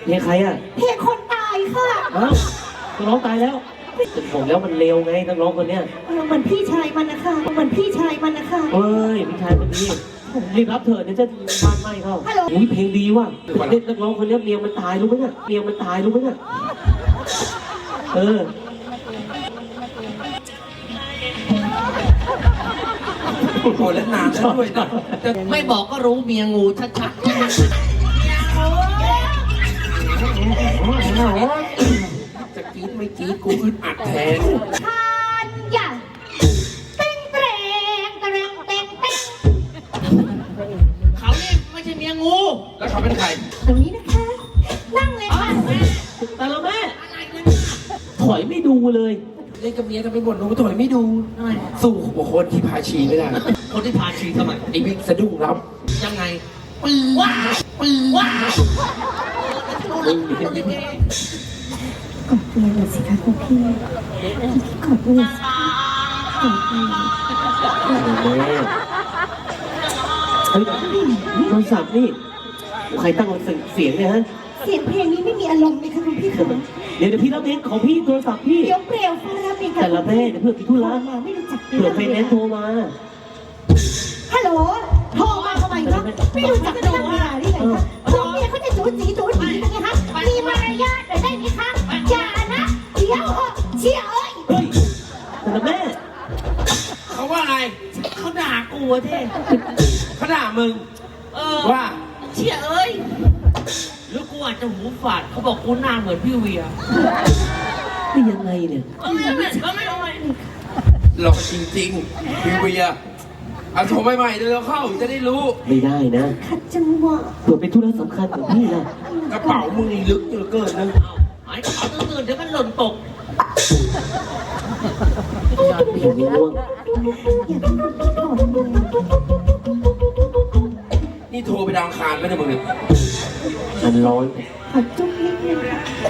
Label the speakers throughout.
Speaker 1: เพลงใครอ่ะ
Speaker 2: เพลงคนตายค่ะ
Speaker 1: อ้าวนักร้องตายแล้วจะบอกแล้วมันเร็วไงนักร้องคนเนี้ย
Speaker 2: เหมือนพี่ชายมันนะคะเหมือนพี่ชายมันนะคะ
Speaker 1: เฮ้ยพี่ชายคนนี้รีบรับเถอะเดี๋ยวจะบ้านไหม้เข้าอุ้ยเพลงดีว่ะเล่นนักร้องคนนี้เมียมันตายรู้ไหมเนี่ยเมียมันตายรู้ไหมเนี่ยโ
Speaker 3: อ้แล้วนานด้วยนะ
Speaker 4: ไม่บอกก็รู้เมียงูชัดๆ
Speaker 3: จะกรี๊ดไม่กรี๊ดกูอึดอัดแทน
Speaker 2: ทานอย่าเต้งเตรงเตรงเต้งเต้ง
Speaker 4: เขาเนี่ยไม่ใช่เมียงู
Speaker 3: แล้วเขาเป็นใคร
Speaker 2: ตรงนี้นะคะนั่งเลยค่ะ
Speaker 1: แต่ละแม่ถอยไม่ดูเลย
Speaker 3: เล่นกับเมียจะไปบ่นหนูถอยไม่ดูสู้กับคนที่พาชีไม่ได้
Speaker 4: คนที่พาชีทำไม
Speaker 3: ไอ้บิ๊กสะดุ้งรับ
Speaker 4: ยังไงปืนว้า
Speaker 2: กดเมียหน่อยสิคะคุณพี่กดเมียกดเมีย
Speaker 1: เฮ้ยโทรศัพท์นี่ใครตั้งเสียงเนี่ยฮะ
Speaker 2: เสียงเพลงนี้ไม่มีอารมณ์เลยค่ะคุณพี่คะ
Speaker 1: เดี๋ยวพี่รับเองของพี่โทรศัพท์พี่
Speaker 2: เดี๋ยวเปลวฟ้ารับเองค่ะ
Speaker 1: แต่ละแม่เดี๋ยวเพื่อพี่ธุระ
Speaker 2: มาไม่รู้จัก
Speaker 1: เผื่อไฟแนนซ์โทรมา
Speaker 2: ฮัลโหลโทรมาทำไมคะไม่รู้จักกันมาที่ไหนคะผมเนี่ยเขาจะจู๋จีกันไงคะมีมารยาทหน่อยได้ไหมคะอย่านะเดี๋ยวเชี่ยเอ้ย
Speaker 1: แต่ละแม่
Speaker 3: เขาว่าไง
Speaker 4: เขาด่ากูเท่
Speaker 3: เขาด่ามึงว่า
Speaker 4: เชี่ยเอ้ยหรือกูอาจจะหูฝาดเขาบอกกูหน้าเหมือนพี่เวีย
Speaker 1: นี่ยังไงเนี่ย
Speaker 4: ไม่
Speaker 3: หลอกจริงๆพี่เวียเอาโทรใหม่ๆเดี๋ยวเราเข้าจะได้รู้
Speaker 1: ไม่ได้นะ
Speaker 2: ขัดจังหวะ
Speaker 1: เผื่อเป็นธุระสำคัญของพี่นะ
Speaker 3: กระเป๋ามึงลึกเกินนะ
Speaker 4: ไอ้กระเป๋าตื่นเดี๋ยวมันหล่นตก
Speaker 1: ผมไม่ง่วง
Speaker 3: นี่โทรไปดาวคารไม่ได้มึงเนี่ย
Speaker 1: มันร้อน
Speaker 2: ขัดจุ๊บนิดนึง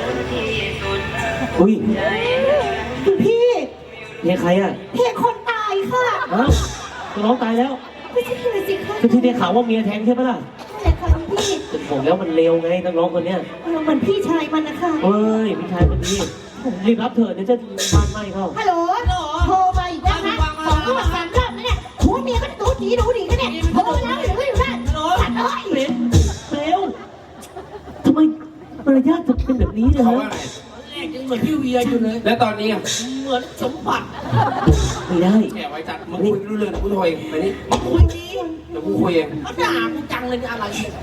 Speaker 1: อุ้ย
Speaker 2: พี่
Speaker 1: เพลงใครอ่ะ
Speaker 2: เพลงคนตายค่ะ
Speaker 1: อ้าวนักร้องตายแล้ว
Speaker 2: ไม่ใช่เลยสิคะ
Speaker 1: ที่ได้ข่าวว่าเมียแทงใช่ปะล่ะ
Speaker 2: ใช่ค่ะพี่
Speaker 1: จะบอกแล้วมันเร็วไงนักร้องคนเนี้ย
Speaker 2: เหมือนพี่ชายมันนะคะ
Speaker 1: เฮ้ยพี่ชายคนนี้รีบรับเถอะเดี๋ยวจะบ้านไหม้เข้า
Speaker 2: ฮัลโหลโทรมาอีกแล้วนะ2 รอบ 3 รอบแล้วเนี่ยหัวเมียก็ดูดีกันเนี่ยโทรแล้วหรือไม่อยู่ได้ขัดเลย
Speaker 1: เร็วทำไมมารยาทจะเป็นแบบนี้เนี่ยฮะ
Speaker 4: แรกยังเหมือนพี่เวียอยู่เลย
Speaker 3: แล้วตอนนี้
Speaker 4: เหมือนสมบัติ
Speaker 1: ไม่ได้
Speaker 3: แกไว้จัดมึงคุยรู้เรื่องกูโทรเองไปนี่
Speaker 4: คุยดี
Speaker 3: เดี๋ยวกูคุยเอง
Speaker 4: เขาด่ากูจังเลยอะไร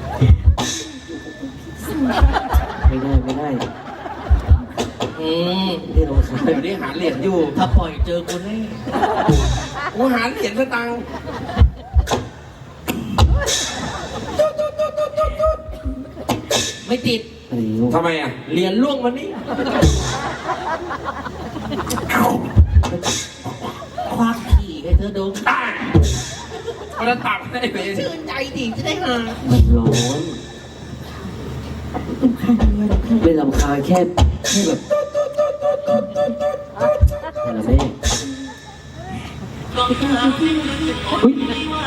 Speaker 1: ไม่ได้
Speaker 3: เดี๋ยวนี้หาเหรียญอยู่
Speaker 4: ถ้าปล่อยเจอกูแน่
Speaker 3: กูหาเหรียญสตังค์
Speaker 4: ไม่ติด
Speaker 3: ทำไมอ่ะ
Speaker 4: เหรียญล่วงวันนี้ควักขี่ให้เธอดู
Speaker 3: มันจะตักให้ไป
Speaker 4: ชื่นใจดีจะได้หา
Speaker 1: มันร้อนไม่รำคาญแค่แบบอะไรแม่เฮ้ย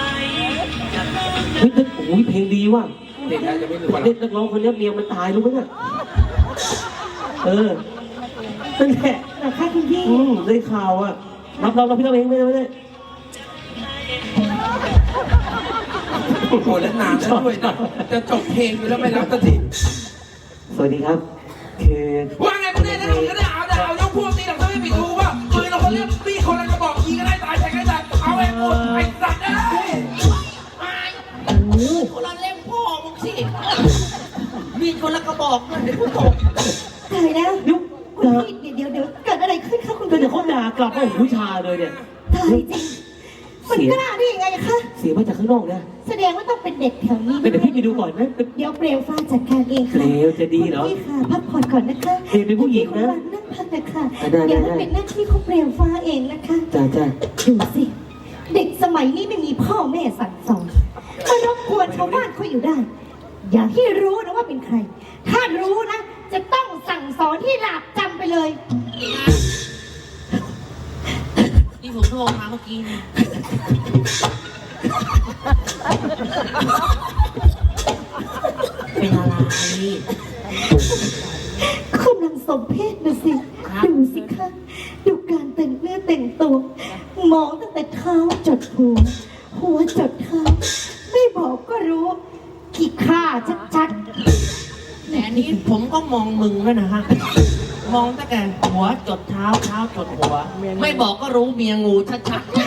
Speaker 1: โอ้ยเพลงดีว่ะ
Speaker 3: เด็กจะไม่รู้ว่า
Speaker 1: เล่นนักร้องคนนี้เมียมันตายรู้ไหมเนี่ยนั่นแหละ
Speaker 2: ค่ะคุณพี่
Speaker 1: ได้ข่าวอ่ะรับพี่เราเองไม่ได้
Speaker 3: โอ้โหแล้วนานด้วยนะจะจบเพลงอยู่แล้วไม่รับสักที
Speaker 1: สวัสดีครับคือ
Speaker 3: ว่าไงกูเนี่ยนะมึงก็ได้เอายกพวกตีหลังถ้าไม่ปิดหูว่าปืนเราคนเรียกมีคนละกระบอกยิงก็ได้ตายแทงก็ได้เอาไอ้หมดไอ้สัตว์ได้
Speaker 4: คนละเล่มพ่อมึงสิมีคนละกระบอกเงินเดี๋ยวกูตก
Speaker 2: ตายแล้วเดี๋ยวเกิดอะไรขึ้นคะคุณ
Speaker 1: เดี๋ยวเขาด่ากลับว่าผู้ชายเลยเนี่ย
Speaker 2: ตายจริงมันกล้าได้ยังไงคะ
Speaker 1: เสียมาจากข้างนอกนะ
Speaker 2: แสดงว่าต้องเป็นเด็กแถวนี้
Speaker 1: เดี๋ยวพี่ไปดูก่อนนะ
Speaker 2: เดี๋ยวเปลวฟ้าจัดการเองค่ะ
Speaker 1: เปลวจะดีเหรอ
Speaker 2: พี่ค่ะพักผ่อนก่อนนะคะ
Speaker 1: เปลวเป็นผู้หญิงนะ
Speaker 2: นั่งพักนะคะเดี๋ยวเป็นหน้าที่ของเปลวฟ้าเองนะคะ
Speaker 1: จ้า
Speaker 2: ดูสิเด็กสมัยนี้ไม่มีพ่อแม่สั่งสอนมารบกวนชาวบ้านเขาอยู่ได้อย่าให้รู้นะว่าเป็นใครถ้ารู้นะจะต้องสั่งสอนที่หลาบจำไปเลย
Speaker 4: ที่ผมโทรมาเมื่อกี้นี่เป็นอะไร
Speaker 2: กำลังสมเพศนะสิดูสิคะดูการแต่งเนื้อแต่งตัวมองตั้งแต่เท้าจดหัวหัวจดเท้าไม่บอกก็รู้ขี้ข้าชัด
Speaker 4: แต่อันนี้ผมก็มองมึงแล้วนะฮะ มองตั้งแต่หัวจดเท้าเท้าจดหัว ไม่บอกก็รู้เมียงูชัดๆ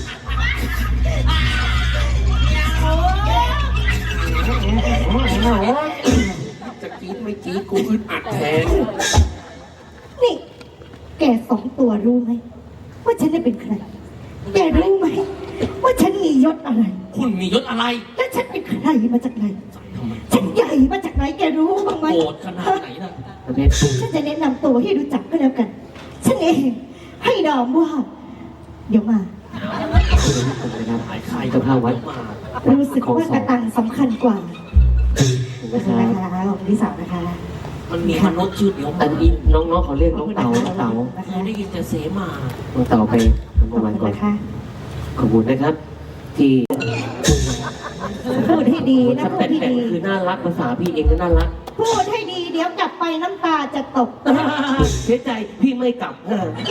Speaker 3: จะกรี๊ดไม่กรี๊ดกูอึดอัดแทน
Speaker 2: ๆนี่แกสองตัวรู้ไหมว่าฉันได้เป็นใครแกรู้ไหมว่าฉันมียศอะไร
Speaker 4: คุณมียศอะไร
Speaker 2: และฉันเป็นใครมาจากไหน
Speaker 4: ทำไม
Speaker 2: ฉันใหญ่มาจากไหนแกรู้บ้างไหม
Speaker 4: โกรธขนาดไหนล่ะ
Speaker 1: ประเภท
Speaker 2: ฉันจะแนะนำตัวให้รู้จักก็แล้วกัน ฉันเองให้นามว่า เดี๋ยวมา
Speaker 4: หายใคร
Speaker 1: เจ้าภาพวัด
Speaker 4: มา
Speaker 2: รู้สึกว่ากระตังสำคัญกว่า
Speaker 1: นะค
Speaker 2: นะ
Speaker 1: รับ
Speaker 2: คะของพี่สาวนะคะ
Speaker 4: มันมีมนุษย์ชื่อเดียว
Speaker 1: อันนี้น้องๆเขาเรียกน้องเต๋าน้องเต๋า
Speaker 2: นะ
Speaker 4: เค
Speaker 2: คะ
Speaker 4: ยได้ยินแต่เสมา
Speaker 1: น้องเต๋าไปทำ
Speaker 2: ขอบ
Speaker 1: ประวัติ
Speaker 2: คุณ
Speaker 1: ก่อน
Speaker 2: นะคะ
Speaker 1: ขอบคุณนะครับ ที่
Speaker 2: พูดให้ดีนะ
Speaker 1: ถ้า
Speaker 2: พู
Speaker 1: แต่
Speaker 2: ดให้
Speaker 1: แต่
Speaker 2: ดี
Speaker 1: คือน่ารักภาษาพี่เองก็น่ารัก
Speaker 2: พูดให้ดีเดี๋ยวกลับไปน้ำตาจะตก
Speaker 1: เสียใจพี่ไม่กลับ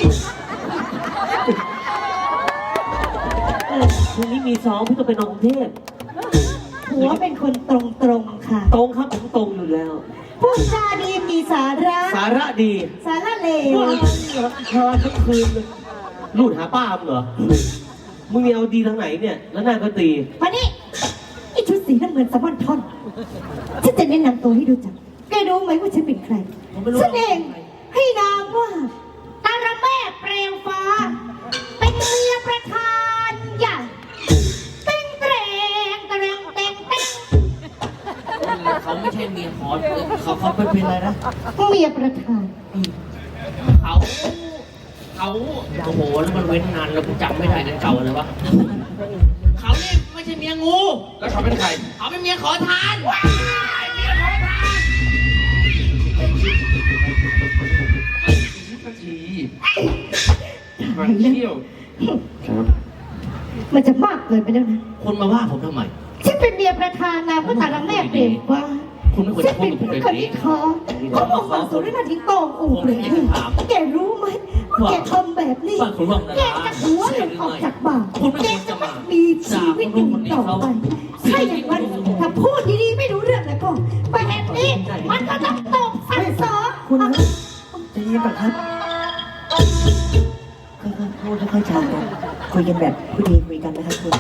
Speaker 1: พรุ่งนี้มีซ้อมพี่ต้องไปนอนกรุงเทพ
Speaker 2: หัวเป็นคนตรงๆค่ะ
Speaker 1: ตรงครับผมตรงอยู่แล้ว
Speaker 2: พูดจาดีมีสาระ
Speaker 1: สาระดี
Speaker 2: สาระเลว
Speaker 1: ทาทั้งคืนเลยรูดหาป้ามเหรอมึงมีเอาดีทางไหนเนี่ย แล้วหน้าก็ตี
Speaker 2: มานี่ไอชุดสีน้ำเงินสะบั้นท่อนฉันจะแนะนำตัวให้รู้จักแกรู้ไหมว่าฉันเป็นใคร
Speaker 4: ผมไม่รู้
Speaker 2: ฉันเองให้นามว่าตาระแม่เปลวฟ้า เป็นเมียประธานใหญ่เต็งเตรงเตรงเต็งเต็ง
Speaker 4: เขาไม่ใช่เมียขอเขาเป็นอะไรนะ
Speaker 2: เมียประธาน
Speaker 4: เขาโอ้โหแล้วมันเว้นนานแล้วกูจำไม่ได้กันเก่าเลยวะเขาเนี่ยไม่ใช่เมียงู
Speaker 3: แล้วเขาเป็นใคร
Speaker 4: เขาเป็นเมียขอทานว้ายเมียขอทาน
Speaker 3: นาทีมันเที่ยว
Speaker 1: ครับ
Speaker 2: มันจะมากเกินไปแล้วนะ
Speaker 4: คนมาว่าผมทำไม
Speaker 2: ฉันเป็นเมียประธานนามว่าตาละแม่เปลวฟ้า
Speaker 4: คุณไม่ควร
Speaker 2: ฉั
Speaker 4: จะ
Speaker 2: น
Speaker 4: พู
Speaker 2: เป็
Speaker 4: ด
Speaker 2: น
Speaker 4: กับผมแบบ
Speaker 2: คน
Speaker 4: นี้
Speaker 2: ที่ท้องเขาบอกว่าสุรินาทิ้งโตองอู่เลยแกรู้ไหมว่าแกทำแบบนี้
Speaker 4: ฟังคุณว่างนะ
Speaker 2: แกจะหัวหลุดออกจากบ่า
Speaker 4: คุณไม่
Speaker 2: แก
Speaker 4: ควร
Speaker 2: จะ
Speaker 4: จะ
Speaker 2: ไม่
Speaker 4: มา
Speaker 2: มีชีวิตอยู่ต่อไปถ้าอย่างนั้นถ้าพูดดีๆไม่รู้เรื่องแล้วก็แบบนี้มันก็ต้องตกสั่งสอน
Speaker 5: คุณครับใจเย็นก่อนครับค่อยๆพูดค่อยๆจากันคุยกันแบบผู้ดีคุยกันนะครับคุณ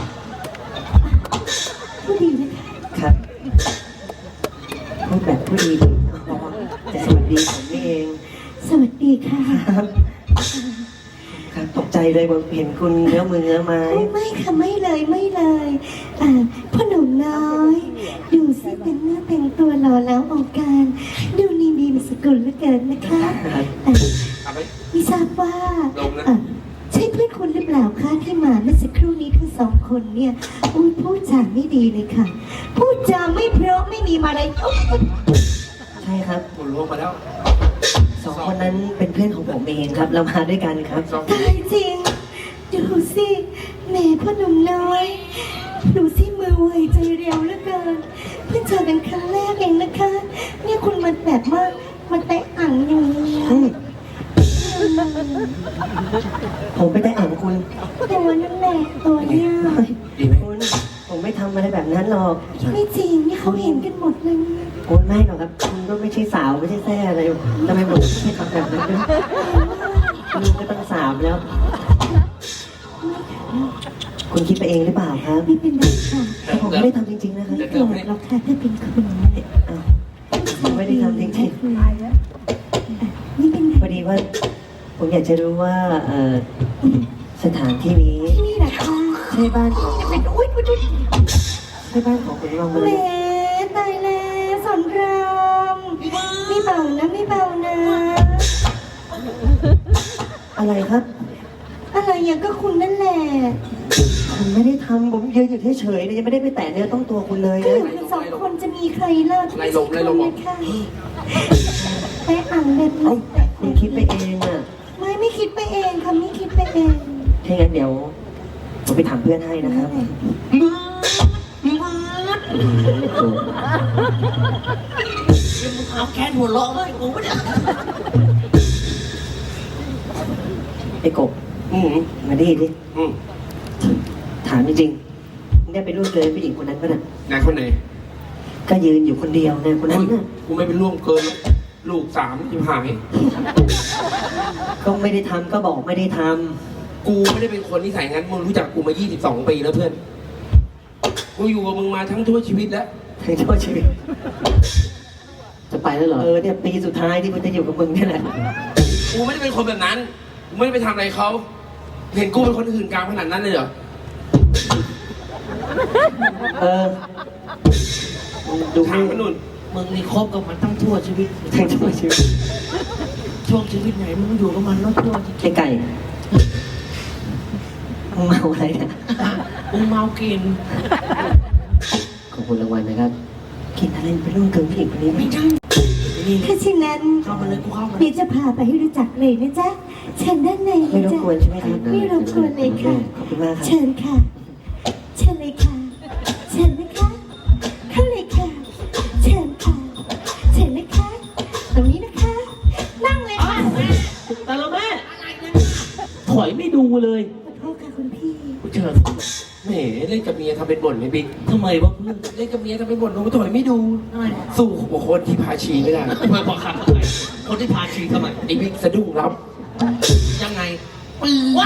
Speaker 2: พูดดีนะคะ
Speaker 5: ครับพูดแบบผู้ดีอ๋อจะสวัสดีผมนี่เอง
Speaker 2: สวัสดีค่ะ
Speaker 5: ครับครับตกใจเลยผมเห็นคุณเนื้อมือเนื้อไม้
Speaker 2: ไม่ค่ะไม่เลยไม่เลยพ่อหนุ่มน้อย ดูสิเป็นเนื้อแต่งตัวหล่อแล้วองการดูนี่มีมสกุลเหลือเกินนะคะอ่า
Speaker 3: เอาไป
Speaker 2: ไม่ทราบว่า
Speaker 3: ลงนะ
Speaker 2: ใช่เพื่อนคุณหรือเปล่าคะที่มาเมื่อสักครู่นี้ทั้งสองคนเนี่ยอุ้ยพูดจาไม่ดีเลยค่ะ พูดจาไม่เพราะไม่มีมารยาท
Speaker 5: ใช่ครับ
Speaker 3: หมุนลงมาแล้ว
Speaker 5: สองคนนั้นเป็นเพื่อนของผมเองครับ เรามาด้วยกันครับ
Speaker 3: สอง
Speaker 2: ตายจริง ดูสิแหม่พ่อหนุ่มน้อย ดูสิมือไวใจเร็วเหลือเกินเพิ่งเจอกันครั้งแรกเองนะคะ เนี่ยคุณมันแบบว่ามันแตะอ่างอย่างนี้
Speaker 5: อืมผมไปได้อ่านคุณ
Speaker 2: ตัวนั่นแหละตัวเนี่ย
Speaker 3: ดีไหม
Speaker 5: คุณผมไม่ทำอะไรแบบนั้นหรอก
Speaker 2: ไม่จริงนี่เขาเห็นกันหมดเลยเนี่ย
Speaker 5: คุณไม่หรอกครับ คุณก็ไม่ใช่สาวไม่ใช่แซ่อะไรทำไมผมไม่ทำแบบนั้นด้วยคุณก็ต้องสาวแล้ว คุณคิดไปเองหรือเปล่าครับ
Speaker 2: ไม่เป็นไรค่ะ
Speaker 5: แต่ผมไม่ได้ทำจริงๆนะครับ
Speaker 2: ไม่โกรธหรอกค่ะถ้าเป็นคุณ
Speaker 5: อ้าวผมไม่ได้ทำจริง
Speaker 2: นี่เป็น
Speaker 5: ๆพอดีว่า ผมอยากจะรู้ว่าสถานที่นี้
Speaker 2: ที่นี่แหละค่ะ
Speaker 5: ใช่บ้านของ
Speaker 2: เป็นอุ้ยอุ้ยอุ้ย
Speaker 5: ใช่บ้านของคุณรองมา
Speaker 2: แหม
Speaker 5: เลย
Speaker 2: ตายแล้วสอนรามไม่เบานะไม่เบานะ
Speaker 5: อะไรครับ
Speaker 2: อะไรอย่างก็คุณนั่นแหละ
Speaker 5: ผมไม่ได้ทำผมยืนอยู่เฉยๆเลยยังไม่ได้ไปแตะเนื้อต้องตัวคุณเลย
Speaker 2: ก็อ
Speaker 5: นะ
Speaker 2: ยู่กันสองคนจะมีใครเล่าที่ไม่ใช่คุณนะคะแม่อ่างแบบ
Speaker 5: เอ้า
Speaker 2: นี้
Speaker 5: คุณคิดไปเองอ่ะ
Speaker 2: ไม่คิดไปเองค่ะไม่คิดไปเอง
Speaker 5: ถ้างั้นเดี๋ยวผมไปถามเพื่อนให้นะครับ
Speaker 1: เ
Speaker 4: มึงเอาแค้นหัวเราะเลยกูไม่ได้
Speaker 5: ไอ้กบ
Speaker 1: อืม
Speaker 5: มาดิดิ
Speaker 1: อืม
Speaker 5: ถามจริงๆมึงได้ไปร่วมเลยผู้หญิงคนนั้นปะน่ะ
Speaker 3: ไหนคนไหน
Speaker 5: ก็ยืนอยู่คนเดียวนะคนนั้นน่ะ
Speaker 3: กูไม่เป็นร่วมเกินลูก3ที่หาย
Speaker 5: ก็ไม่ได้ทำก็บอกไม่ได้ท
Speaker 3: กูไม่ได้เป็นคนนิสัยงั้นมึงรู้จักกูมา22 ปีแล้วเพื่อนกูอยู่กับมึงมาทั้งทั่วชีวิตแล้ว
Speaker 5: ำทั้งชั่วชีวิต
Speaker 1: จะไปแล้วเหรอ
Speaker 5: เนี่ยปีสุดท้ายที่กูจะอยู่กับมึงนี่แหละ
Speaker 3: กูไม่ได้เป็นคนแบบนั้นกูไม่ได้ไปทำอะไรเขาเห็นกูเป็นคนอื่นกลางขนาดนั้นเลยเหรอ
Speaker 5: ดู
Speaker 3: ถามมันนุ่น
Speaker 4: มึงนี่คบกับมันตั้งทั่วชีวิต
Speaker 5: ทั้งชั่วชีวิต
Speaker 4: ช่วงชีวิตไหนมึงอยู่กับมันแล้วทั่วจริง
Speaker 5: ไอ้ไก่มึงเมาอะไรเนี่ย
Speaker 4: ๆมึงเมากิน
Speaker 1: ขอบคุณรางวัลนะครับ
Speaker 5: กินอะไรไปร่วมกับผู้หญิงคนนี้ไหม
Speaker 4: ไม่ใช่นี่
Speaker 2: ถ้าเช่นนั้น
Speaker 4: เข้ามาเลยกูเข้ามา
Speaker 2: เดี๋ยวจะพาไปให้รู้จักเลยนะจ๊ะเชิญด้านในเล
Speaker 5: ไม่
Speaker 2: ย
Speaker 5: รบ
Speaker 2: จ้ะ
Speaker 5: กวนใช่ไหมครับ
Speaker 2: ไม่รบกวนเลยค่ะ
Speaker 5: ขอบคุณมากครับ
Speaker 2: เชิญค่ะ เชิญเลยค่ะ เชิญนะคะเข้าเลยค่ะ เชิญค่ะ เชิญนะคะ ตรงนี้นะคะ นั่งเลยค่ะ
Speaker 1: แต่ละแม่ ถอยไม่ดูเลย
Speaker 2: ขอโทษค่ะคุณพี่
Speaker 3: กูเชิญแหมเล่นกับเมียทำเป็นบ่นไม่บิ๊ก
Speaker 1: ทำไมวะเพื่อน
Speaker 3: เล่นกับเมียทำเป็นบ่นกูถอยไม่ดู
Speaker 4: ทำไม
Speaker 3: สู้หัวคนที่พาชีไม่ได้
Speaker 4: เพื่อบอกคำทำไมคนที่พาชีทำไม
Speaker 3: ไอ้บิ๊กสะดุ้งรับ
Speaker 4: ยังไงปืนว้าย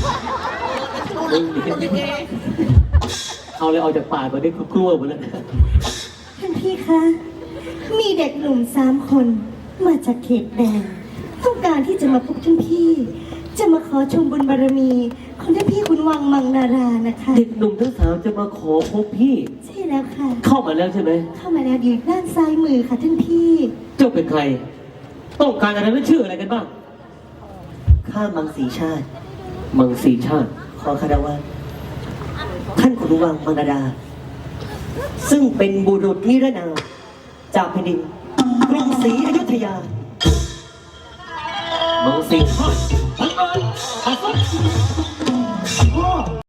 Speaker 1: เอาเลยออกจากปากมาได้กลัวหมดเลย
Speaker 2: ท่านพี่คะ มีเด็กหนุ่ม3 คน มาจากเขตแดนต้องการที่จะมาพบท่านพี่ จะมาขอชมบุญบารมีของท่านพี่คุณวังมังนารานะคะ
Speaker 1: เด็กหนุ่มทั้งสามจะมาขอพบพี่
Speaker 2: ใช่แล้วค่ะ
Speaker 1: เข้ามาแล้วใช่ไหม
Speaker 2: เข้ามาแล้วอยู่ด้านซ้ายมือค่ะท่านพี่
Speaker 1: เจ้าเป็นใคร ต้องการอะไรและชื่ออะไรกันบ้าง
Speaker 5: ข้ามังสีชาติ
Speaker 1: มังสีชาติ
Speaker 5: ขอคารวะท่านขุนวังมังนาดา ซึ่งเป็นบุรุษนิรนามจากแผ่นดินกรุงศรีอยุธยา
Speaker 1: มังสีชาติ